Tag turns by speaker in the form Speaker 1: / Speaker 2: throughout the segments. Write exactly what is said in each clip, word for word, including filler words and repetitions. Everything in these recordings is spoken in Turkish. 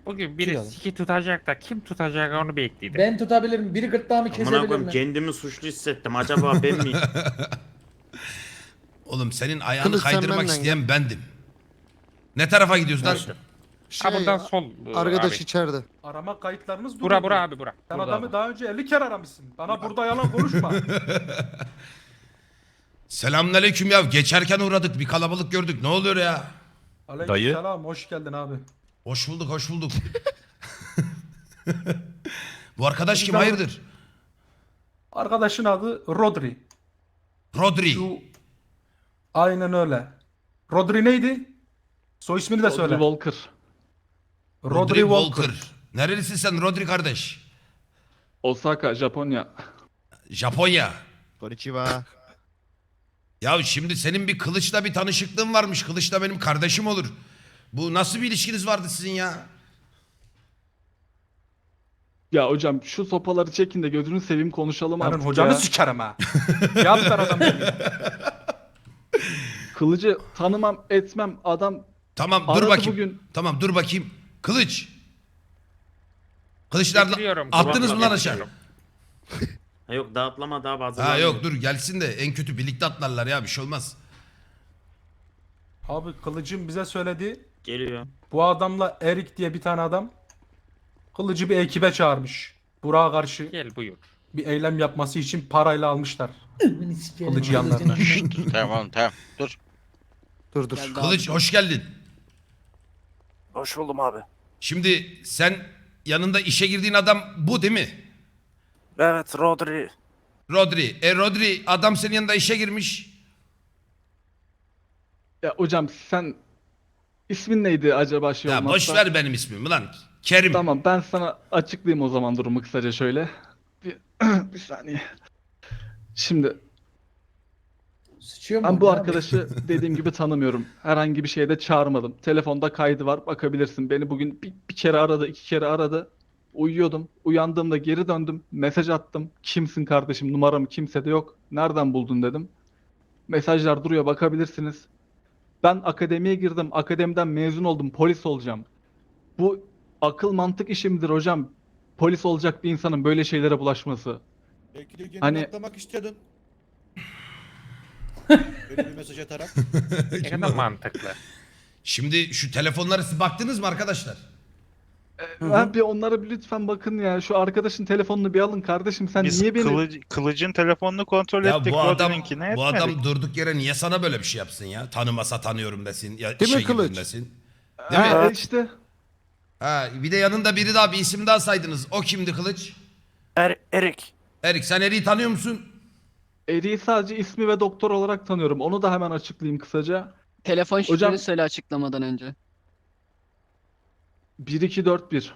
Speaker 1: Bugün biri
Speaker 2: Çıkalım.
Speaker 1: siki tutacak da kim tutacak onu bekleydim.
Speaker 2: Ben tutabilirim. Biri gırtlağımı
Speaker 3: Amına
Speaker 2: kesebilir
Speaker 3: koyayım
Speaker 2: mi?
Speaker 3: kendimi suçlu hissettim. Acaba ben miyim?
Speaker 4: Oğlum senin ayağını
Speaker 5: Kılıç sen
Speaker 4: kaydırmak
Speaker 5: benden
Speaker 4: isteyen bendim. Ne tarafa gidiyoruz lan?
Speaker 3: Neyse.
Speaker 1: Ha buradan sol e,
Speaker 5: Arkadaş
Speaker 1: abi.
Speaker 5: içeride.
Speaker 6: Arama kayıtlarınız
Speaker 1: Bura
Speaker 6: duruyor.
Speaker 1: bura abi bura.
Speaker 6: Sen
Speaker 1: Burada
Speaker 6: adamı
Speaker 1: abi.
Speaker 6: daha önce elli kere aramışsın. Bana burada yalan konuşma.
Speaker 4: Selamünaleyküm ya. Geçerken uğradık. Bir kalabalık gördük. Ne oluyor ya?
Speaker 6: Aleykümselam, hoş geldin abi.
Speaker 4: Hoş bulduk, hoş bulduk. Bu arkadaş kim?
Speaker 6: Güzel.
Speaker 4: Hayırdır?
Speaker 6: Arkadaşın adı Rodri.
Speaker 4: Rodri.
Speaker 6: Şu... Aynen öyle. Rodri neydi? Soy ismini de söyle.
Speaker 7: Rodri Walker.
Speaker 6: Rodri, Walker.
Speaker 4: Nerelisin sen Rodri kardeş?
Speaker 7: Osaka, Japonya.
Speaker 4: Japonya.
Speaker 5: Konnichiwa.
Speaker 4: Ya şimdi senin bir Kılıç'la bir tanışıklığın varmış. Kılıç da benim kardeşim olur. Bu nasıl bir ilişkiniz vardı sizin ya?
Speaker 7: Ya hocam şu sopaları çekin de gözünü seveyim konuşalım
Speaker 6: Senin
Speaker 7: artık
Speaker 6: hocanı
Speaker 7: ya.
Speaker 6: sikerim ha. Yap ver adam gibi.
Speaker 7: Kılıcı tanımam etmem adam
Speaker 4: Tamam dur
Speaker 7: aradı
Speaker 4: bakayım.
Speaker 7: bugün.
Speaker 4: Tamam dur bakayım. Kılıç. Kılıçlar
Speaker 1: Getiriyorum.
Speaker 4: attınız mı lan aşağı?
Speaker 1: Getiriyorum.
Speaker 3: Ha yok dağıtlama daha bazı.
Speaker 4: Ha yok dur gelsin de en kötü birlikte atlarlar ya bir şey olmaz.
Speaker 6: Abi Kılıcım bize söyledi.
Speaker 3: Geliyor.
Speaker 6: Bu adamla Erik diye bir tane adam Kılıcı bir ekibe çağırmış. Burak'a karşı
Speaker 1: Gel buyur.
Speaker 6: bir eylem yapması için parayla almışlar. Kılıcı yanlarına.
Speaker 8: Tamam tamam dur.
Speaker 5: Dur dur.
Speaker 4: Kılıç hoş geldin.
Speaker 8: Hoş buldum abi.
Speaker 4: Şimdi sen yanında işe girdiğin adam bu değil mi?
Speaker 8: Evet Rodri.
Speaker 4: Rodri. E Rodri adam senin yanında işe girmiş.
Speaker 7: Ya hocam sen ismin neydi acaba şey
Speaker 4: Ya
Speaker 7: olmazsa?
Speaker 4: boş ver benim ismimi lan. Kerim.
Speaker 7: Tamam ben sana açıklayayım o zaman durumu kısaca şöyle. Bir, bir saniye. Şimdi
Speaker 2: Sıçıyor mu?
Speaker 7: ben bu
Speaker 2: Ne abi?
Speaker 7: arkadaşı dediğim gibi tanımıyorum. Herhangi bir şeyde çağırmadım. Telefonda kaydı var bakabilirsin. Beni bugün bir, bir kere aradı iki kere aradı. Uyuyordum. Uyandığımda geri döndüm. Mesaj attım. Kimsin kardeşim? Numaram kimsede yok. Nereden buldun dedim. Mesajlar duruyor bakabilirsiniz. Ben akademiye girdim. Akademiden mezun oldum. Polis olacağım. Bu akıl mantık işi midir hocam? Polis olacak bir insanın böyle şeylere bulaşması.
Speaker 9: Belki de kendini
Speaker 7: Hani-
Speaker 9: atlamak istiyordun. Böyle bir mesaj atarak.
Speaker 1: Ne kadar mantıklı.
Speaker 4: Şimdi şu telefonlara siz baktınız mı arkadaşlar?
Speaker 7: Ha, bir onlara bir lütfen bakın ya. Şu arkadaşın telefonunu bir alın kardeşim. Sen
Speaker 10: Biz
Speaker 7: niye beni...
Speaker 10: kılıc- kılıcın telefonunu kontrol
Speaker 4: Ya
Speaker 10: ettik.
Speaker 4: bu adam
Speaker 10: Rodri'ninkini
Speaker 4: bu
Speaker 10: etmedik.
Speaker 4: adam durduk yere niye sana böyle bir şey yapsın ya? Tanımasa tanıyorum desin ya
Speaker 5: Değil mi
Speaker 4: işe girdim
Speaker 5: Kılıç?
Speaker 4: desin. Değil mi?
Speaker 7: Ha, işte.
Speaker 4: Ha, bir de yanında biri daha bir isim daha saydınız. O kimdi Kılıç?
Speaker 8: Er Erik.
Speaker 4: Erik sen Erik'i tanıyor musun?
Speaker 7: Eri'yi sadece ismi ve doktor olarak tanıyorum. Onu da hemen açıklayayım kısaca.
Speaker 11: Telefon şifreni
Speaker 7: Hocam-
Speaker 11: söyle açıklamadan önce.
Speaker 7: bir iki dört bir.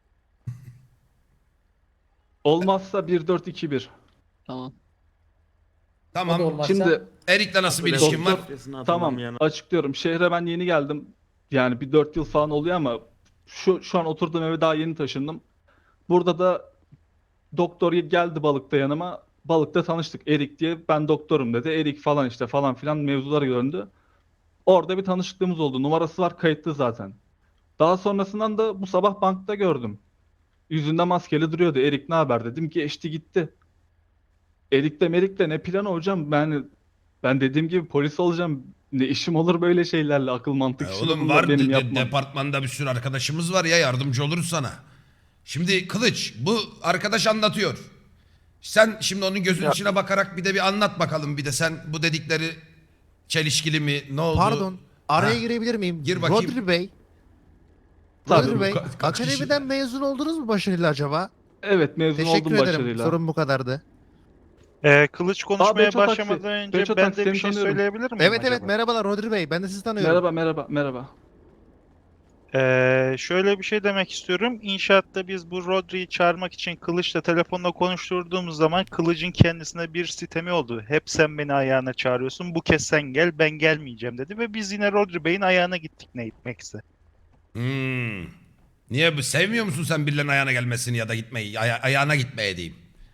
Speaker 7: Olmazsa bir dört iki bir.
Speaker 11: Tamam.
Speaker 2: O da
Speaker 4: Tamam.
Speaker 2: olmazsa.
Speaker 7: Şimdi
Speaker 4: Erik'le nasıl bir
Speaker 3: Doktor-
Speaker 4: ilişkin var?
Speaker 7: tamam açıklıyorum. Şehre ben yeni geldim. Yani bir dört yıl falan oluyor ama şu şu an oturduğum eve daha yeni taşındım. Burada da doktor geldi balıkta yanıma. Balıkta tanıştık Erik diye. Ben doktorum dedi. Erik falan işte falan filan mevzular döndü. Orada bir tanışıklığımız oldu. Numarası var kayıtlı zaten. Daha sonrasından da bu sabah bankta gördüm. Yüzünde maskeli duruyordu. Erik ne haber dedim. Geçti gitti. Erik de Merik de ne planı hocam? Ben ben dediğim gibi polis olacağım. Ne işim olur böyle şeylerle akıl mantık
Speaker 4: Ya
Speaker 7: işi
Speaker 4: oğlum
Speaker 7: bunlar
Speaker 4: var
Speaker 7: benim
Speaker 4: de-
Speaker 7: yapmam.
Speaker 4: departmanda bir sürü arkadaşımız var ya yardımcı oluruz sana. Şimdi Kılıç bu arkadaş anlatıyor. Sen şimdi onun gözünün içine bakarak bir de bir anlat bakalım bir de sen bu dedikleri çelişkili mi ne oldu?
Speaker 5: Pardon. Araya
Speaker 4: Ha.
Speaker 5: girebilir miyim?
Speaker 4: Gir bakayım.
Speaker 5: Rodri Bey.
Speaker 7: Tabii.
Speaker 5: Rodri Bey.
Speaker 4: Ka- kaç kişi-
Speaker 5: Akademiden mezun oldunuz mu başarıyla acaba?
Speaker 7: Evet mezun
Speaker 5: Teşekkür
Speaker 7: oldum
Speaker 5: ederim.
Speaker 7: başarıyla.
Speaker 5: Sorun bu kadardı.
Speaker 10: Ee, kılıç konuşmaya
Speaker 7: Beço Taksi.
Speaker 10: başlamadan önce
Speaker 7: Beço
Speaker 10: ben
Speaker 7: Taksi,
Speaker 10: de
Speaker 7: seni
Speaker 10: bir şey
Speaker 7: tanıyorum.
Speaker 10: söyleyebilir miyim
Speaker 5: Evet
Speaker 10: acaba?
Speaker 5: evet merhabalar Rodri Bey. Ben de sizi tanıyorum.
Speaker 7: Merhaba merhaba merhaba.
Speaker 10: Ee, şöyle bir şey demek istiyorum. İnşaatta biz bu Rodri'yi çağırmak için Kılıç'la telefonla konuşturduğumuz zaman Kılıç'ın kendisine bir sitemi oldu. Hep sen beni ayağına çağırıyorsun. Bu kez sen gel, ben gelmeyeceğim dedi ve biz yine Rodri Bey'in ayağına gittik ne gitmekse.
Speaker 4: Hmm. Niye bu sevmiyor musun sen birilerinin ayağına gelmesini ya da gitmeyi aya- ayağına gitmeye diyeyim.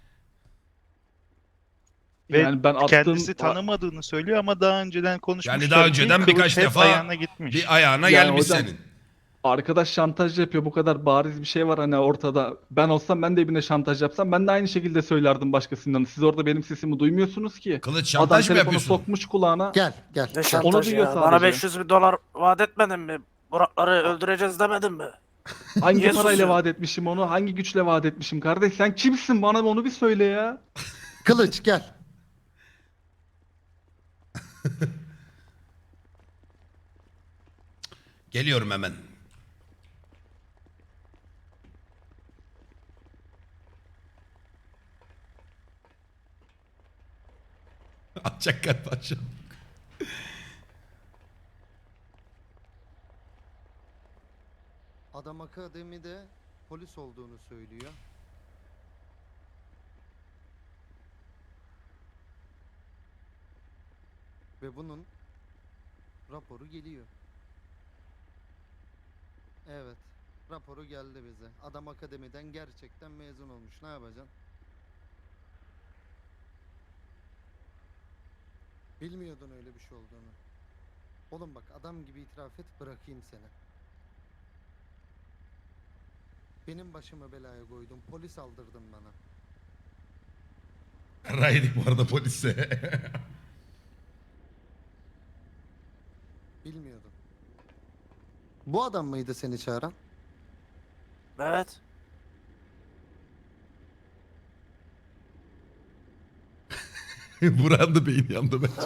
Speaker 10: Ve
Speaker 7: Yani ben attığım
Speaker 10: kendisi tanımadığını söylüyor ama daha önceden konuşmuşlar
Speaker 4: Yani daha
Speaker 10: ki
Speaker 4: önceden
Speaker 10: Kılıç
Speaker 4: birkaç
Speaker 10: hep
Speaker 4: defa
Speaker 10: ayağına gitmiş.
Speaker 4: bir ayağına
Speaker 7: Yani
Speaker 4: gelmiş
Speaker 7: hocam-
Speaker 4: senin.
Speaker 7: Arkadaş şantaj yapıyor. Bu kadar bariz bir şey var hani ortada. Ben olsam ben de birine şantaj yapsam ben de aynı şekilde söylerdim başkasından. Siz orada benim sesimi duymuyorsunuz ki.
Speaker 4: Kılıç
Speaker 7: Adam
Speaker 4: şantaj mı
Speaker 7: telefonu
Speaker 4: yapıyorsun?
Speaker 7: sokmuş kulağına.
Speaker 5: Gel gel.
Speaker 8: Ne
Speaker 5: gel.
Speaker 8: şantajı
Speaker 7: duyuyor
Speaker 8: ya? Bana
Speaker 7: sadece.
Speaker 8: beş yüz bin dolar vaat etmedin mi? Burakları öldüreceğiz demedin mi?
Speaker 7: Hangi
Speaker 8: Niye
Speaker 7: parayla
Speaker 8: susuyor?
Speaker 7: vaat etmişim onu? Hangi güçle vaat etmişim kardeş? Sen kimsin? Bana onu bir söyle ya.
Speaker 5: Kılıç gel.
Speaker 4: Geliyorum hemen. Atacak galiba şu an.
Speaker 5: Adam akademide polis olduğunu söylüyor. Ve bunun raporu geliyor. Evet. Raporu geldi bize. Adam akademiden gerçekten mezun olmuş. Ne yapacaksın? Bilmiyordun öyle bir şey olduğunu. Oğlum bak adam gibi itiraf et bırakayım seni. Benim başımı belaya koydun. Polis aldırdın bana.
Speaker 4: Raydik bu arada polise.
Speaker 5: Bilmiyordum. Bu adam mıydı seni çağıran?
Speaker 8: Evet.
Speaker 4: Burak'ın da beyni yandı ben.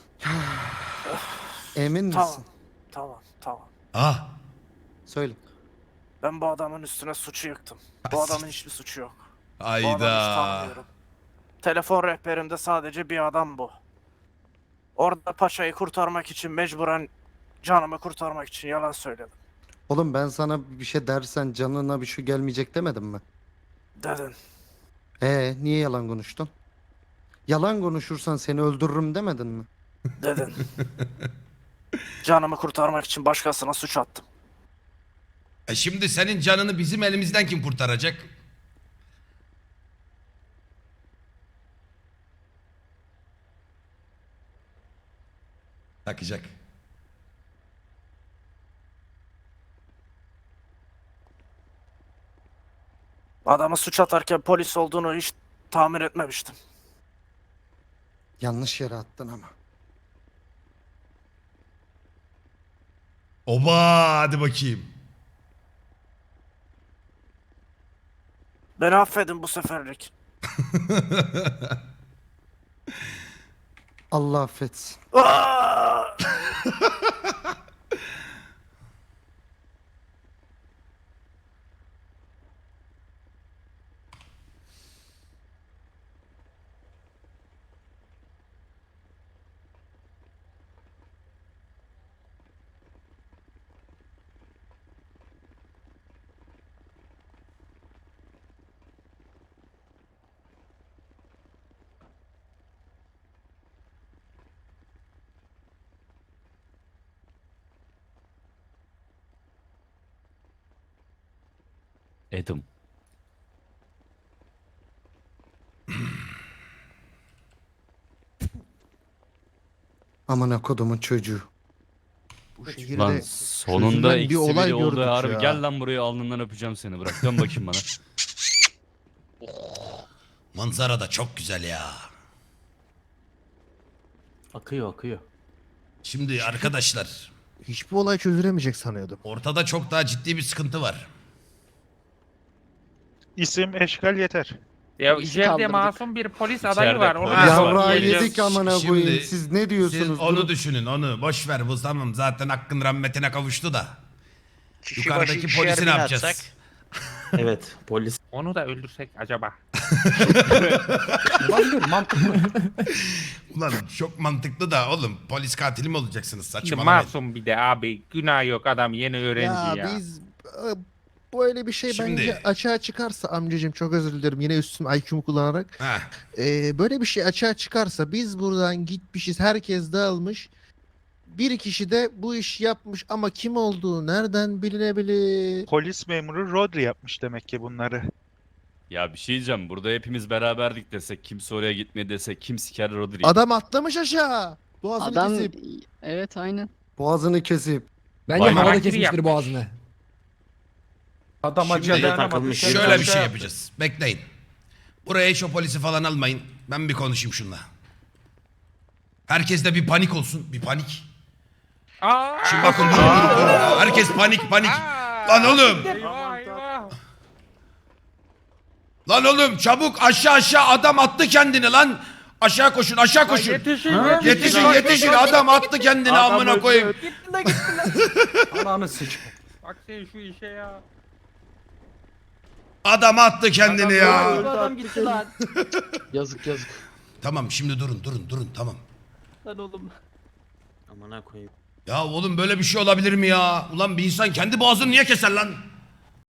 Speaker 5: Emin misin?
Speaker 8: Tamam. Tamam. Tamam.
Speaker 4: Ah.
Speaker 5: Söyle.
Speaker 8: Ben bu adamın üstüne suçu yıktım. Bu adamın hiçbir suçu yok. Bu adamı hiç
Speaker 4: Ayda.
Speaker 8: tanımıyorum. Telefon rehberimde sadece bir adam bu. Orada paçayı kurtarmak için mecburen canımı kurtarmak için yalan söyledim.
Speaker 5: Oğlum ben sana bir şey dersen canına bir şey gelmeyecek demedim mi?
Speaker 8: Dedin.
Speaker 5: Ee niye yalan konuştun? Yalan konuşursan seni öldürürüm demedin mi?
Speaker 8: Dedin. Canımı kurtarmak için başkasına suç attım.
Speaker 4: E şimdi senin canını bizim elimizden kim kurtaracak? Takacak.
Speaker 8: Adamı suç atarken polis olduğunu hiç tahmin etmemiştim.
Speaker 5: Yanlış yere attın ama.
Speaker 4: Oba hadi bakayım.
Speaker 8: Beni affedin bu seferlik.
Speaker 5: Allah affetsin.
Speaker 8: Aa!
Speaker 12: Edim.
Speaker 5: Amına kodumun çocuğu. Bu
Speaker 12: Lan
Speaker 5: şehirde
Speaker 12: sonunda
Speaker 5: çözülen
Speaker 12: eksi
Speaker 5: bir olay
Speaker 12: biri oldu
Speaker 5: gördük
Speaker 12: harbi.
Speaker 5: ya.
Speaker 12: Gel lan buraya alnından öpeceğim seni. Bırak dön bakayım bana.
Speaker 4: Manzara da çok güzel ya.
Speaker 6: Akıyor akıyor.
Speaker 4: Şimdi arkadaşlar
Speaker 5: hiçbir olay çözülemeyecek sanıyordum.
Speaker 4: ortada çok daha ciddi bir sıkıntı var.
Speaker 10: İsim, eşkal yeter.
Speaker 1: Ya
Speaker 11: Polisi
Speaker 1: içeride
Speaker 11: kaldırdık.
Speaker 1: masum bir polis
Speaker 12: İçeride
Speaker 1: adayı var. Onu
Speaker 12: polis
Speaker 1: nasıl
Speaker 12: var.
Speaker 5: Yavra
Speaker 1: diyeceğiz?
Speaker 5: yedik amına
Speaker 4: Şimdi
Speaker 5: koyayım. Siz ne diyorsunuz?
Speaker 4: Siz onu
Speaker 5: Durun.
Speaker 4: düşünün onu. Boş ver bu tamam zaten hakkın rahmetine kavuştu da.
Speaker 3: Kişi
Speaker 4: Yukarıdaki
Speaker 3: başı ikişer
Speaker 4: polisi
Speaker 3: bin
Speaker 4: ne yapacağız?
Speaker 3: atsak. Evet polis.
Speaker 1: Onu da öldürsek acaba?
Speaker 6: Olabilir mantıklı.
Speaker 4: Ulan çok mantıklı da oğlum polis katili mi olacaksınız
Speaker 1: Şimdi
Speaker 4: saçmalamayın.
Speaker 1: masum bir de abi. Günah yok, adam yeni öğrenci ya.
Speaker 5: Ya biz e, böyle bir şey
Speaker 4: Şimdi-
Speaker 5: bence açığa çıkarsa amcacığım çok özür dilerim yine üstüm I Q'mu kullanarak.
Speaker 4: Heh.
Speaker 5: E, böyle bir şey açığa çıkarsa biz buradan gitmişiz herkes dağılmış. Bir kişi de bu işi yapmış ama kim olduğu nereden bilinebilir?
Speaker 10: Polis memuru Rodri yapmış demek ki bunları.
Speaker 12: Ya bir şey diyeceğim. Burada hepimiz beraberdik desek. Kimse oraya gitmedi desek. Kim siker Rodri'yi?
Speaker 5: Adam atlamış aşağı. Boğazını
Speaker 11: Adam
Speaker 5: kesip.
Speaker 11: evet aynen.
Speaker 5: Boğazını kesip.
Speaker 1: Bence
Speaker 12: Vay
Speaker 1: havada
Speaker 12: harakiri
Speaker 1: kesmiştir boğazını.
Speaker 6: Adam
Speaker 3: Şimdi
Speaker 6: acıya
Speaker 3: de
Speaker 6: dayanamadı.
Speaker 3: takılmış.
Speaker 6: Kendisi
Speaker 4: Şöyle bir
Speaker 6: şey
Speaker 4: şey
Speaker 6: yaptı.
Speaker 4: yapacağız. Bekleyin. Buraya hiç o polisi falan almayın. Ben bir konuşayım şunla. Herkes de bir panik olsun. Bir panik.
Speaker 1: Aa!
Speaker 4: Şimdi bakın durun, durun, durun. Herkes panik panik. Lan oğlum.
Speaker 1: Eyvah eyvah.
Speaker 4: Lan oğlum çabuk aşağı aşağı adam attı kendini lan. Aşağı koşun aşağı koşun.
Speaker 1: Yetişin
Speaker 4: Yetişin yetişin adam attı kendini
Speaker 7: Adam
Speaker 4: amına
Speaker 7: öldü.
Speaker 4: koyayım.
Speaker 6: Ananı sik.
Speaker 1: Bak sen şu işe ya.
Speaker 4: Adam attı kendini ya.
Speaker 11: Adam gitti lan. Yazık yazık.
Speaker 4: Tamam şimdi durun durun durun tamam.
Speaker 11: Lan oğlum.
Speaker 3: Amına koyayım.
Speaker 4: Ya oğlum böyle bir şey olabilir mi ya? Ulan bir insan kendi boğazını niye keser lan?